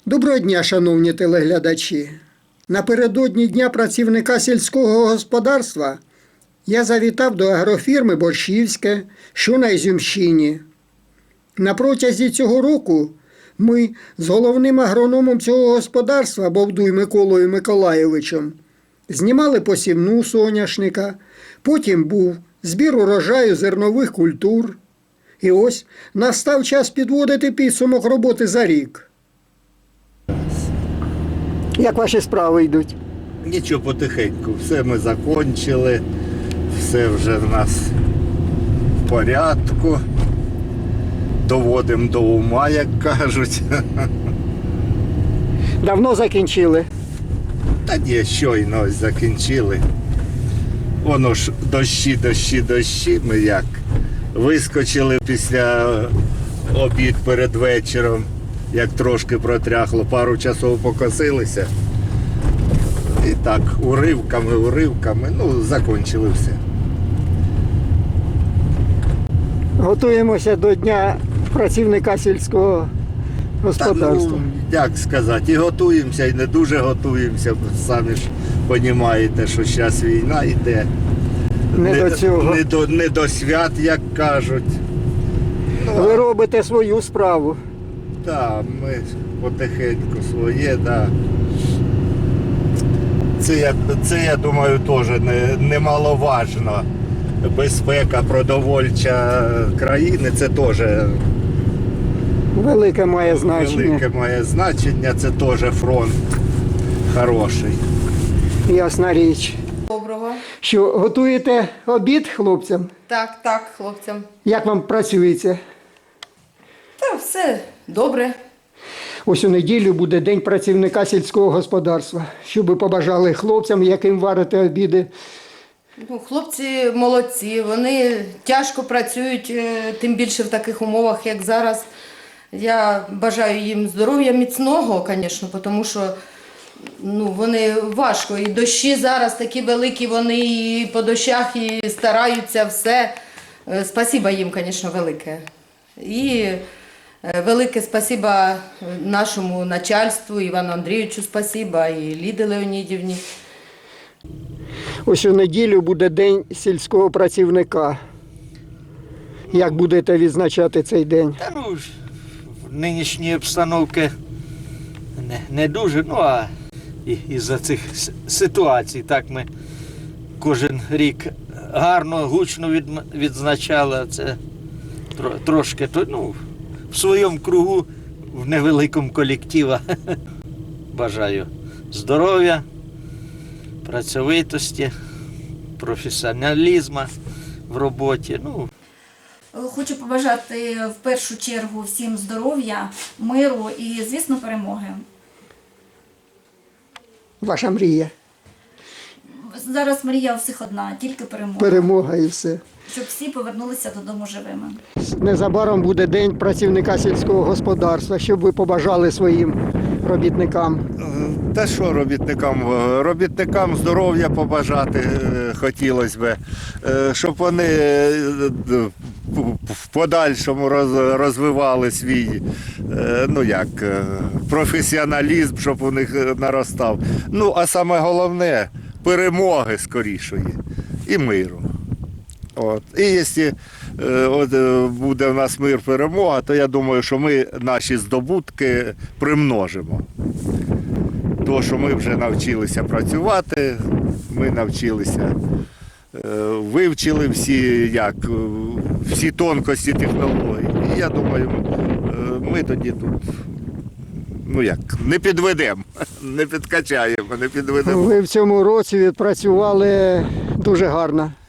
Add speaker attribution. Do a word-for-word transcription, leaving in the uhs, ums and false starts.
Speaker 1: Доброго дня, шановні телеглядачі! Напередодні Дня працівника сільського господарства я завітав до агрофірми «Борщівське», що на Ізюмщині. На протязі цього року ми з головним агрономом цього господарства Бовдуй Миколою Миколайовичем знімали посівну соняшника, потім був збір урожаю зернових культур. І ось настав час підводити підсумок роботи за рік. Як ваші справи йдуть?
Speaker 2: Нічого, потихеньку. Все ми закончили, все вже в нас в порядку. Доводимо до ума, як кажуть.
Speaker 1: Давно закінчили?
Speaker 2: Та ні, щойно ось закінчили. Воно ж дощі, дощі, дощі. Ми як вискочили після обід перед вечором, як трошки протряхло, пару часов покосилися. І так, уривками, уривками, ну, закінчили все.
Speaker 1: Готуємося до Дня працівника сільського господарства.
Speaker 2: Та, ну, як сказати, і готуємося, і не дуже готуємося. Самі ж розумієте, що зараз війна йде.
Speaker 1: Не, не до цього.
Speaker 2: Не до, не до свят, як кажуть. Ну,
Speaker 1: ви робите свою справу.
Speaker 2: Так, ми потихеньку своє, так. Це, я, це, я думаю, теж не, немаловажно. Безпека продовольча країни, це теж
Speaker 1: велике має значення.
Speaker 2: Велике має значення, це теж фронт хороший.
Speaker 1: Ясна річ.
Speaker 3: Доброго.
Speaker 1: Що, готуєте обід хлопцям?
Speaker 3: Так, так, хлопцям.
Speaker 1: Як вам працюється?
Speaker 3: Та все добре.
Speaker 1: Ось у неділю буде День працівника сільського господарства. Що би побажали хлопцям, яким варите обіди?
Speaker 3: Ну, хлопці молодці, вони тяжко працюють, е, тим більше в таких умовах, як зараз. Я бажаю їм здоров'я міцного, звісно, тому що ну, вони важко. І дощі зараз такі великі, вони і по дощах, і стараються все. Е, Спасибо їм, звісно, велике. І е, велике спасибо нашому начальству, Івану Андрійовичу спасибо, і Ліді Леонідівні.
Speaker 1: Ось у неділю буде День сільського працівника. Як будете відзначати цей день?
Speaker 4: Та ну, ж, в нинішній обстановці не, не дуже, ну а і, із-за цих с- ситуацій так ми кожен рік гарно, гучно від, відзначали. Це тро, трошки, то, ну, в своєму кругу, в невеликому колективі. Бажаю здоров'я, працьовитості, професіоналізму в роботі. Ну,
Speaker 5: Хочу побажати в першу чергу всім здоров'я, миру і, звісно, перемоги.
Speaker 1: Ваша мрія?
Speaker 5: Зараз мрія у всіх одна, тільки перемога.
Speaker 1: Перемога і все.
Speaker 5: Щоб всі повернулися додому живими.
Speaker 1: Незабаром буде День працівника сільського господарства. Що б ви побажали своїм робітникам?
Speaker 2: Та що робітникам? Робітникам здоров'я побажати е, хотілося б, е, щоб вони е, в подальшому роз- розвивали свій е, ну як, е, професіоналізм, щоб у них наростав. Ну, а саме головне – перемоги скорішої і миру. От. І якщо е, от, е, буде в нас мир, перемога, то я думаю, що ми наші здобутки примножимо. То, що ми вже навчилися працювати, ми навчилися, е, вивчили всі, як, е, всі тонкості технологій. І я думаю, е, ми тоді тут ну як, не підведемо, не підкачаємо, не підведемо.
Speaker 1: Ви в цьому році відпрацювали дуже гарно.